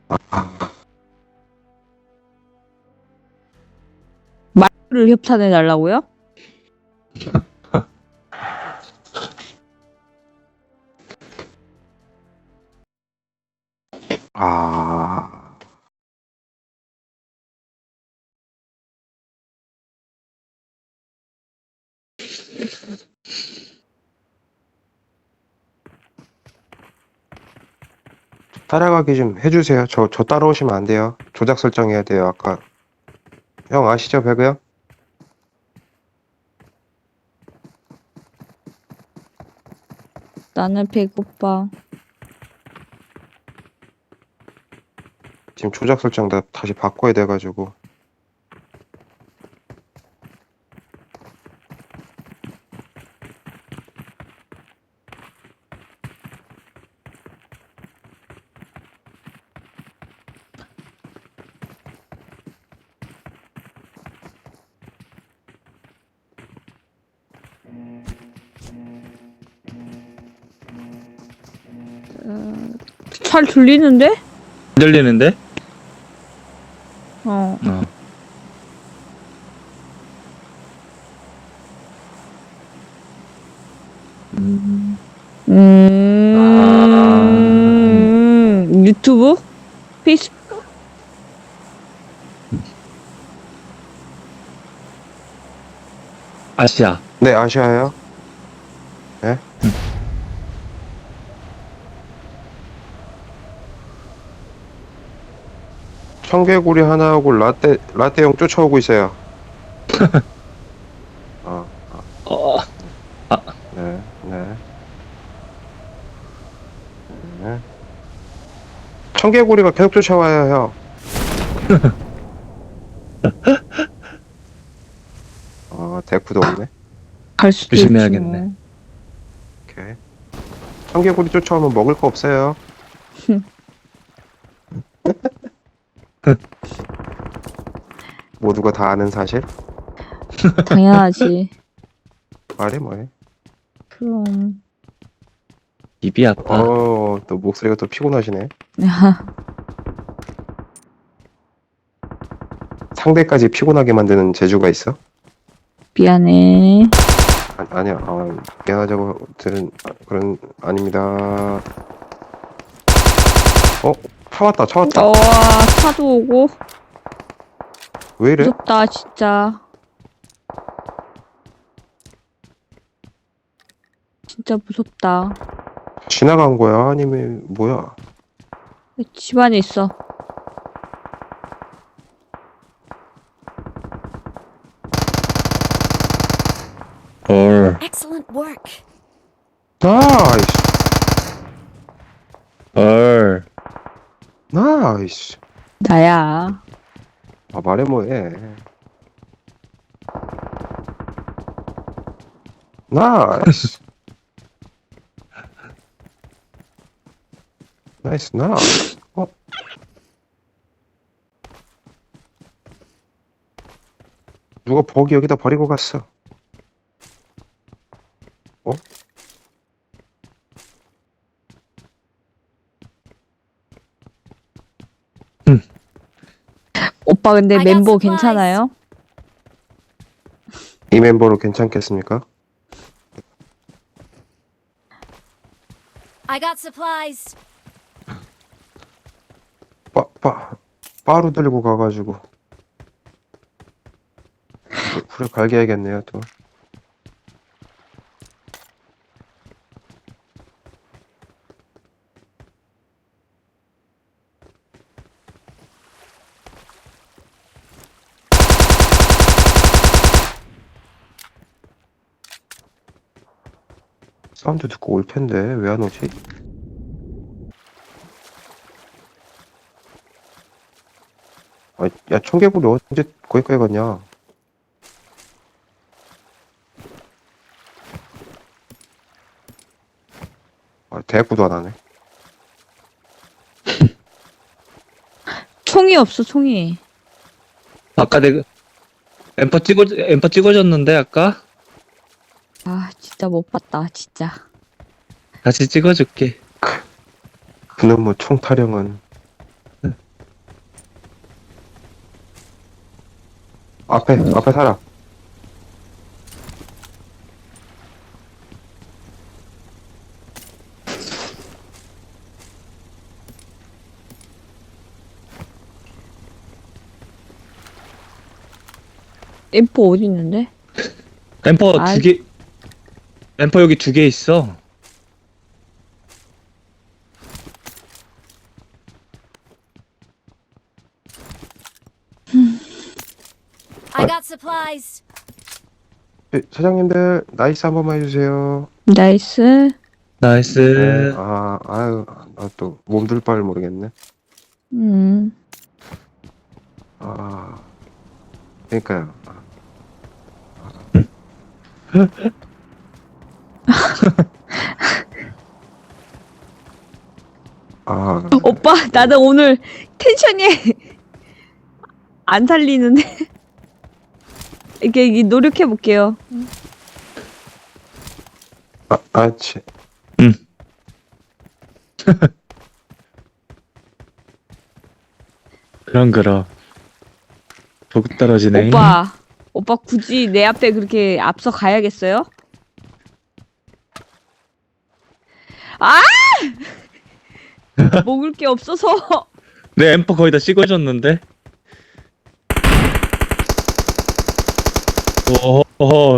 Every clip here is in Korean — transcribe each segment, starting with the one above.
아, 말을 협찬해 달라고요? 아, 따라가기 좀 해주세요. 저 따라오시면 안 돼요. 조작 설정해야 돼요. 아까 형 아시죠, 배그 형? 나는 배고파. 지금 조작 설정 다 다시 바꿔야 돼가지고. 잘 들리는데? 들리는데? 어. 어. 유튜브? 페이스북? 아시아. 네, 아시아요? 네? 청개구리 하나하고 라떼용 쫓아오고 있어요. 어, 어, 네, 네. 네. 청개구리가 계속 쫓아와요, 형. 데크도 없네. 갈 수도 조심해야겠네. 있지 뭐. 오케이. 청개구리 쫓아오면 먹을 거 없어요. 모두가 다 아는 사실? 당연하지. 말해 뭐해. 그럼. 입이 아파. 또 목소리가 또 피곤하시네. 상대까지 피곤하게 만드는 재주가 있어? 미안해. 아니야. 미안하자고 들은 그런 아닙니다. 차 왔다. 와, 차도 오고. 왜 이래? 무섭다, 진짜. 진짜 무섭다. 지나간 거야? 아니면 뭐야? 집 안에 있어. 헐. Excellent work. 나이스. 헐. 나이스. 나야. 말해 뭐해. 나이스. 나이스. 누가 버기 여기다 버리고 갔어. 오빠 근데 I got 멤버 supplies. 괜찮아요? 이 멤버로 괜찮겠습니까? I got supplies. 바로 들고 가가지고 불에 갈겨야겠네요 또. 사운드 듣고 올 텐데 왜 안 오지? 야 청개구리 언제 거기까지 갔냐? 대꾸도 안 하네. 총이 없어, 총이. 아까 내가 엠퍼 찍어줬는데 아까? 아, 진짜 못 봤다, 진짜. 다시 찍어줄게. 그놈의 총 타령은 앞에 사람. 엠포 어디 있는데? 램퍼 아이. 두 개, 램퍼 여기 2개 있어. I got supplies. 사장님들, 나이스 한 번만 해주세요. 나이스. 네, 나이스. 아유, 나 또 몸둘 바를 모르겠네. 음. 그러니까요. 오빠, 나는 오늘 텐션이 안 살리는데. 이렇게 노력해 볼게요. 치. 응. 그럼. 보급 떨어지네. 오빠 굳이 내 앞에 그렇게 앞서 가야겠어요? 아! 먹을 게 없어서. 내 램퍼 거의 다 찍어줬는데. 오,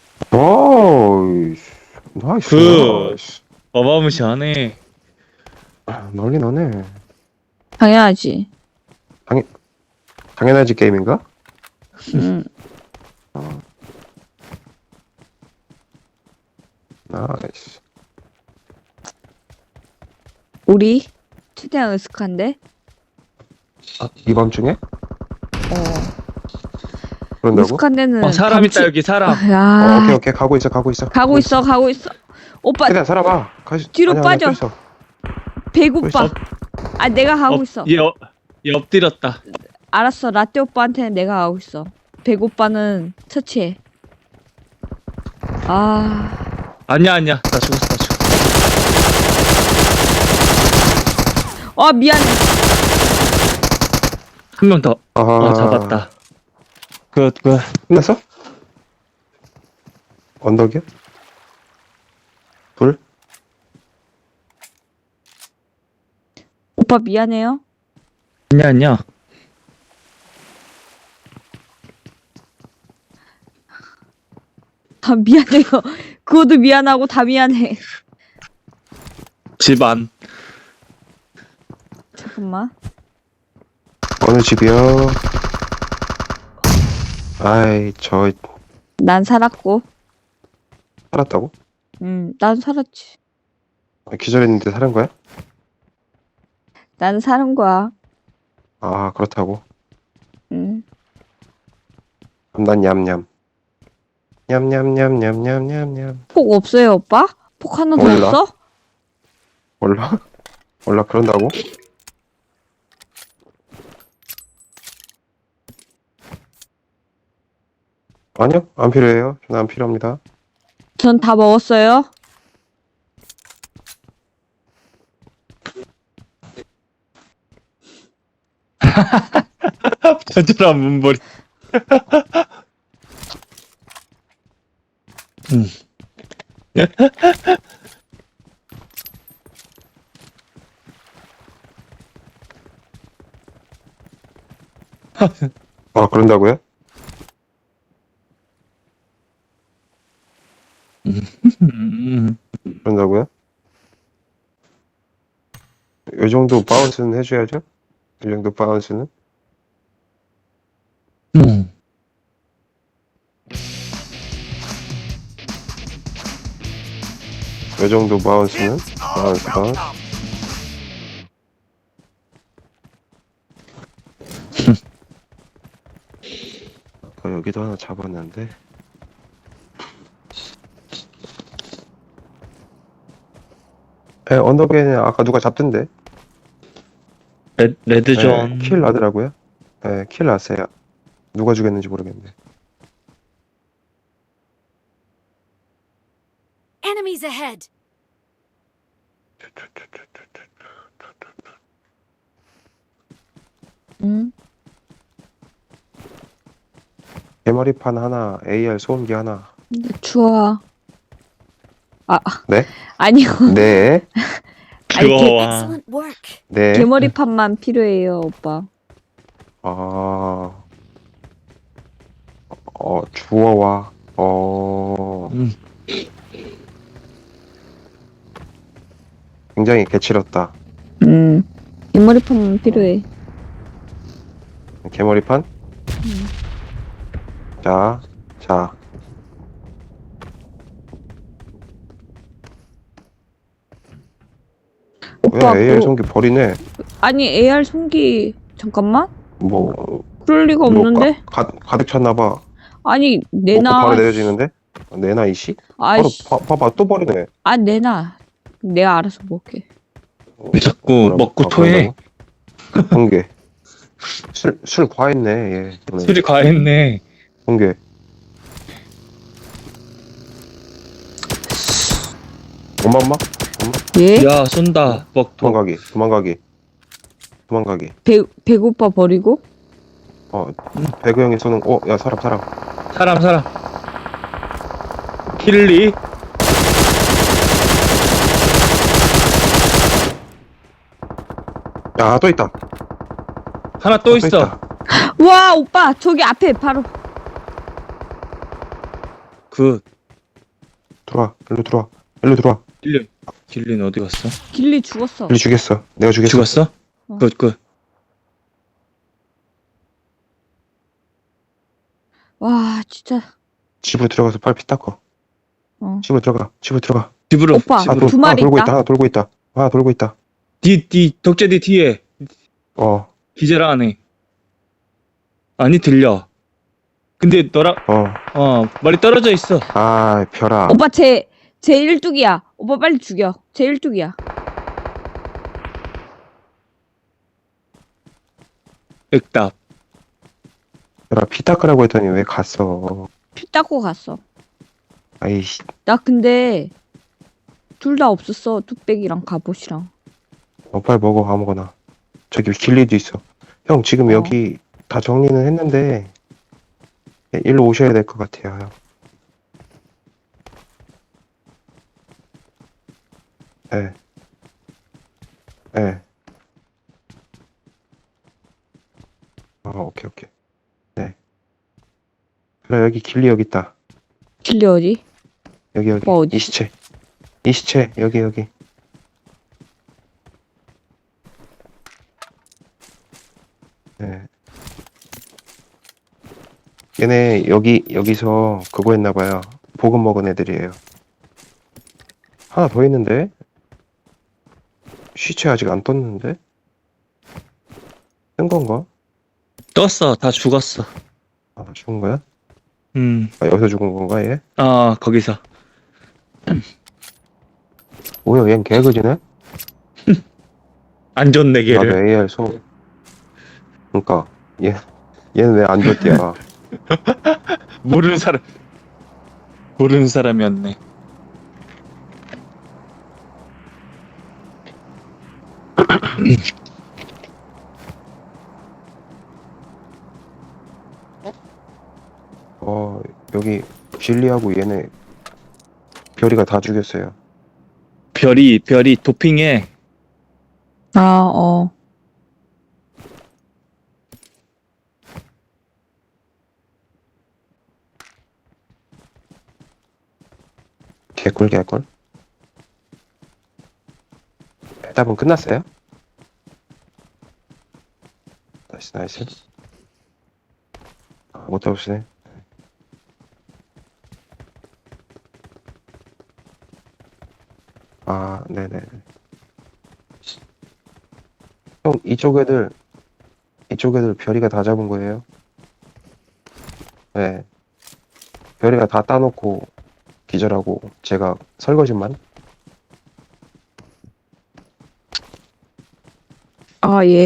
오, 나이스. 굿. 나이스. 어마무시하네. 널리 너네. 당연하지. 당연하지 게임인가? 음. 나이스. 우리 최대한 으슥한데? 이 밤중에? 어. 그런다고? 으슥한 데는 사람 있다, 여기 사람. 야. 오케이. 가고 있어. 가고 있어. 오빠 최대한 살아봐. 뒤로 빠져. 서 있어. 배고파. 아, 내가 가고 있어. 얘 엎드렸다. 알았어. 라떼 오빠한테는 내가 가고 있어. 배고빠는 처치해. 아. 아니야. 나 죽었어. 미안해. 한 명 더. 잡았다. 굿. 끝났어? 언덕이야? 불? 오빠 미안해요. 아니야. 아, 미안해요. 그것도 미안하고 다 미안해. 집 안. 잠깐만. 어느 집이요? 저 난 살았고. 살았다고? 난 살았지. 기절했는데 살은 거야? 난 사는 거야. 그렇다고. 응. 그럼 난 냠냠. 냠냠냠냠냠냠냠. 폭 없어요, 오빠? 폭 하나 더 몰라. 없어? 몰라 그런다고? 아니요, 안 필요해요. 저는 안 필요합니다. 전 다 먹었어요. 저절한 문벌이. 그런다고요? 그런다고요? 이 정도 바운스는 해줘야죠? 이 정도 바운스는? 이 정도 바운스는? 바운스. 여기도 하나 잡았는데. 언덕에는 아까 누가 잡던데? 레드존. 킬 나더라고요. 킬 났어요. 누가 죽였는지 모르겠네. Enemies ahead. 응. 개머리판 하나, AR 소음기 하나. 주워. 아, 네? 아니요. 네, 아니, 주워와. Excellent work. 네. 개머리판만 필요해요, 오빠. 아, 주워와. 음. 굉장히 개칠었다. 개머리판만 필요해. 개머리판? 자, 자. 오빠, 왜 AR 소음기 버리네? 아니, AR 송기, 잠깐만? 뭐, 그럴 리가 없는데? 가득 찼나봐. 아니, 먹고 내놔. 바로 내려지는데? 내놔, 이씨? 바로, 아이씨. 봐봐, 또 버리네. 아, 내놔. 내가 알아서 먹게. 왜 자꾸 먹고 토해? 공개. 술 과했네, 얘. 오늘. 술이 과했네. 공개. 엄마? 예? 야, 쏜다. 먹토. 도망가기. 배고파 버리고? 배그 형이 쏘는, 야, 사람. 사람. 킬리. 야, 또 있다. 하나 또 있어. 와, 오빠, 저기 앞에 바로. 그, 일로 들어와. 길리는 어디 갔어? 길리 죽었어. 일로 죽였어. 내가 죽였어. 죽었어? 어. 굿. 와, 진짜. 집으로 들어가서 빨리 피 닦어. 어. 집으로 들어가. 집으로. 오빠. 집으로. 두 마리 있다. 하나 돌고 있다. 덕재디 뒤에. 기절 안 해. 아니, 들려. 근데 너랑, 머리 떨어져 있어. 아, 별아. 오빠, 제 일뚝이야. 오빠 빨리 죽여. 제 일뚝이야. 액답. 별아, 피 닦으라고 했더니 왜 갔어? 피 닦고 갔어. 아이씨. 나 근데 둘 다 없었어. 뚝배기랑 갑옷이랑. 빨리 먹어, 아무거나. 저기 길리도 있어. 형, 지금 어. 여기 다 정리는 했는데, 일로 오셔야 될 것 같아요, 형. 네. 오케이. 네. 그래, 여기 길리 여기 있다. 길리 어디? 여기. 어디? 이 시체, 여기. 네. 얘네, 여기서 그거 했나봐요. 보급 먹은 애들이에요. 하나 더 있는데? 시체 아직 안 떴는데? 뜬 건가? 떴어. 다 죽었어. 아, 죽은 거야? 여기서 죽은 건가, 얘? 거기서. 뭐야, 얜 개그지네? 안 좋네, 나도 걔를. AR 소. 그니까, 얘는 왜 안 줬대야? 모르는 사람이었네. 여기, 진리하고 얘네, 별이가 다 죽였어요. 별이 도핑해. 아, 개꿀. 대답은 끝났어요? 나이스. 못 잡으시네. 네네. 형, 이쪽 애들 별이가 다 잡은 거예요? 네. 별이가 다 따놓고 기절하고 제가 설거지만? 예.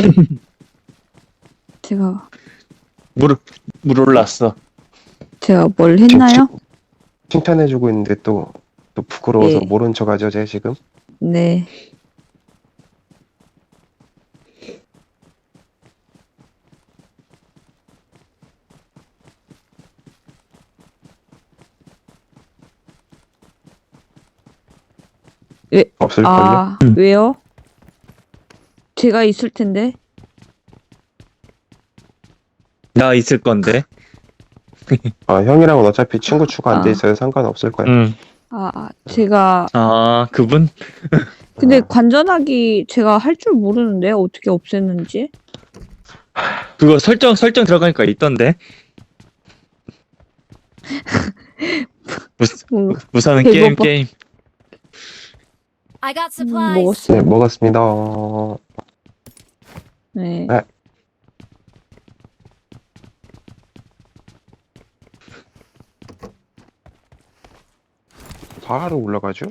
제가 물 올랐어. 뭘 했나요? 칭찬해주고 있는데 또 부끄러워서 예. 모른 척 하죠, 제 지금? 네. 없을걸요? 아, 왜요? 제가 있을 텐데. 나 있을 건데. 아, 형이랑은 어차피 친구 추가 안 돼 아. 있어요. 상관없을 거야. 응. 제가 아, 그분? 근데 관전하기 제가 할 줄 모르는데 어떻게 없앴는지. 그거 설정 들어가니까 있던데. 뭐, 우선은 배고파. 게임. I got supplies. 먹었어. 네, 먹었습니다. 네. 네. 바로 올라가죠?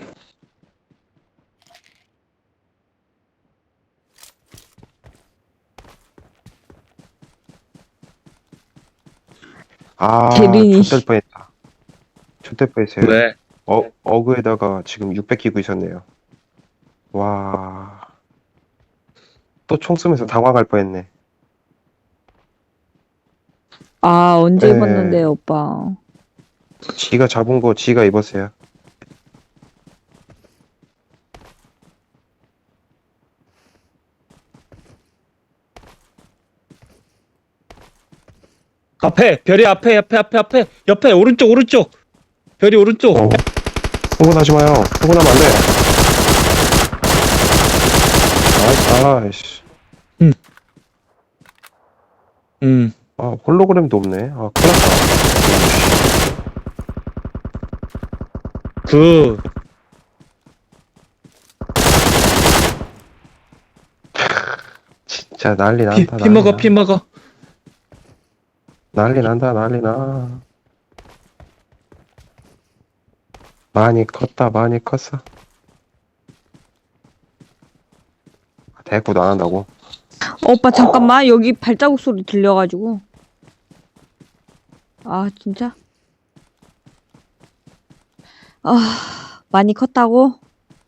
아, 대리니. 좆될 뻔했다. 좆될 뻔했어요. 왜? 어그에다가 지금 600 끼고 있었네요. 와. 또 총 쏘면서 당황할 뻔했네. 아, 언제 네. 입었는데, 오빠. 지가 잡은 거 지가 입었어요. 앞에 별이 앞에 옆에 오른쪽 별이 오른쪽. 흥분하지 마요. 흥분하면 안 돼. 아이씨. 아, 홀로그램도 없네. 아, 큰일 났다. 그 진짜 난리 난다. 피 먹어. 난리 난다. 난리 나. 많이 컸다. 많이 컸어. 대꾸도 안 한다고. 오빠, 잠깐만. 여기 발자국 소리 들려가지고. 아, 진짜? 아, 많이 컸다고?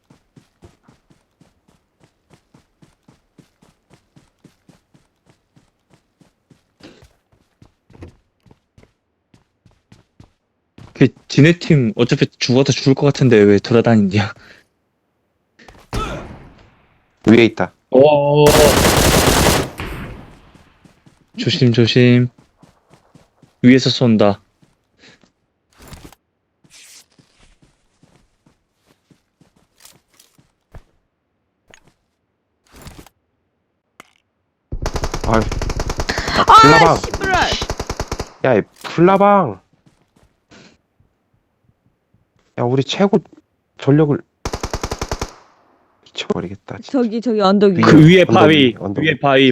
그 지네 팀 어차피 죽어도 죽을 것 같은데 왜 돌아다니냐? 위에 있다. 오. 조심. 위에서 쏜다. 아유. 아, 불나방. 씨부랄! 야, 이 불나방. 야, 우리 최고 전력을 미쳐버리겠다. 진짜. 저기 언덕 위에. 그 위에 언덕 위에 바위.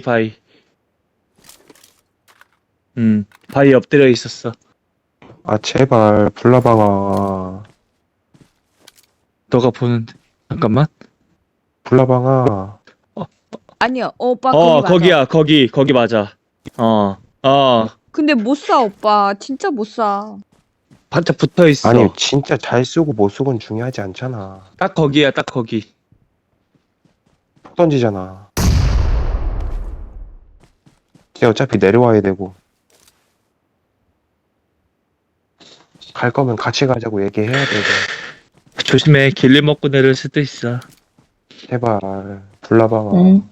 바위 엎드려 있었어. 아, 제발 불나방아. 너가 보는데. 잠깐만. 불나방아. 아니야, 오빠 거기 맞아. 거기야. 거기 맞아. 근데 못 쏴, 오빠. 진짜 못 쏴. 반짝 붙어 있어. 아니, 진짜 잘 쏘고 못 쏘고는 중요하지 않잖아. 딱 거기야, 딱 거기. 푹 던지잖아. 이제 어차피 내려와야 되고. 갈 거면 같이 가자고 얘기해야 되고. 조심해. 길리 먹고 내릴 수도 있어. 제발 불나방아. 응.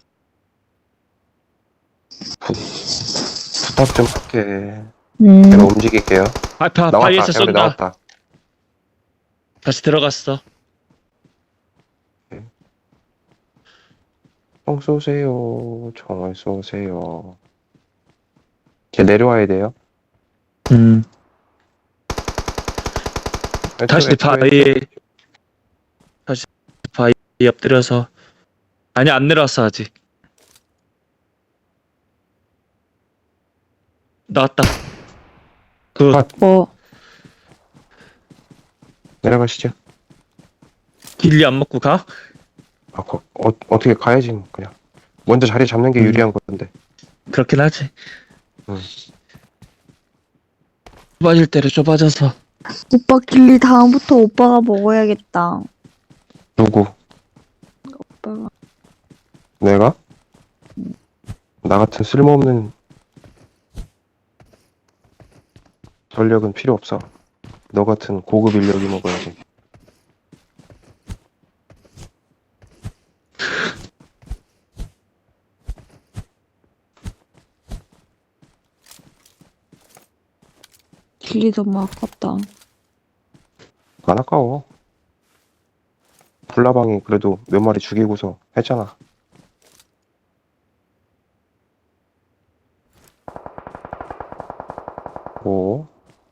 부탁 좀 할게. 음. 내가 움직일게요. 바위에서 나왔다. 쏜다. 나왔다. 다시 들어갔어. 총 쏘세요. 총을 쏘세요. 이제 내려와야 돼요. 다시 바위에 엎드려서. 아니, 안 내려왔어, 아직. 나왔다. 뭐. 내려가시죠. 길리 안 먹고 가? 아, 어떻게 가야지 그냥. 먼저 자리 잡는 게 유리한 건데. 그렇긴 하지. 응. 좁아질 대로 좁아져서. 오빠 길리 다음부터 오빠가 먹어야겠다. 누구? 오빠가. 내가? 나 같은 쓸모없는 전력은 필요 없어. 너 같은 고급 인력이 먹어야지. 딜이 너무 아깝다. 안 아까워. 불나방이 그래도 몇 마리 죽이고서 했잖아. 오.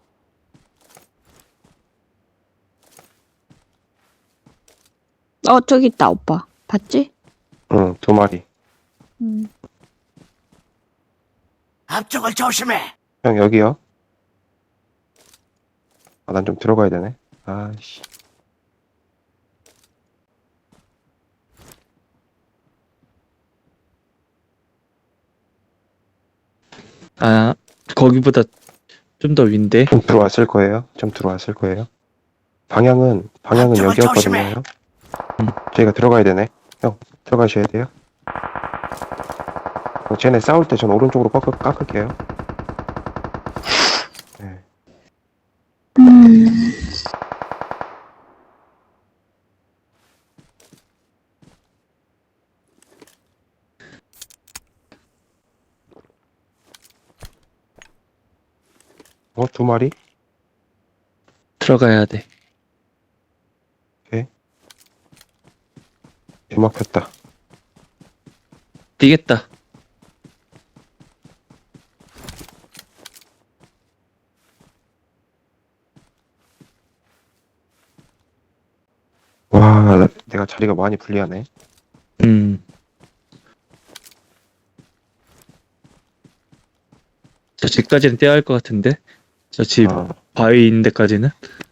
저기 있다, 오빠. 봤지? 응, 2마리. 앞쪽을 조심해. 형, 여기요. 아, 난 좀 들어가야 되네. 아이씨. 아, 거기보다 좀 더 윈데? 좀 들어왔을 거예요. 좀 들어왔을 거예요. 방향은 저거 여기였거든요. 조심해. 형. 저희가 들어가야 되네. 형, 들어가셔야 돼요. 쟤네 싸울 때 전 오른쪽으로 깎을게요. 네. 어, 2마리? 들어가야 돼. 비 막혔다. 뛰겠다. 와, 내가 자리가 많이 불리하네. 저 집까지는 떼야 할 것 같은데? 저 집 아, 바위 있는 데까지는?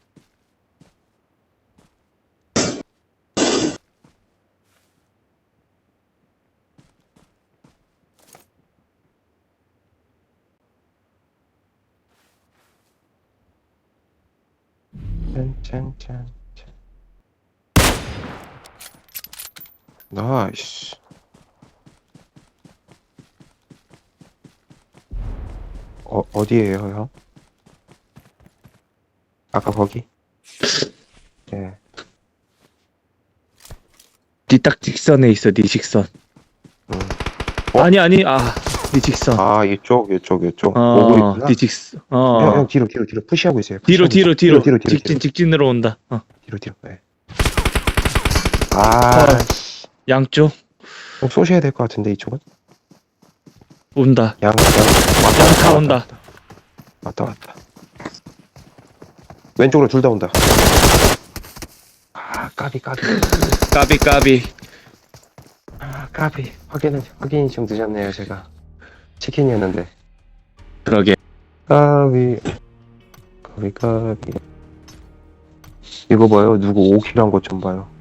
짠짠짠. 나이스. 어디에요, 형? 아까 거기? 예. 니 딱 직선에 있어, 니 직선. 음. 아니, 니 직선. 아, 이쪽. 보고 있구나. 니 직선. 형, 뒤로 푸시하고 있어요. 뒤로. 뒤로. 직진으로 온다. 뒤로. 네. 아, 양쪽 형 쏘셔야 될 것 같은데, 이쪽은? 온다. 왔다. 온다. 왔다. 왼쪽으로 둘 다 온다. 아, 까비. 까비. 아, 까비. 확인이 좀 늦었네요, 제가. 치킨이었는데. 그러게. 까비. 이거 봐요. 누구 5킬 한 것 좀 봐요.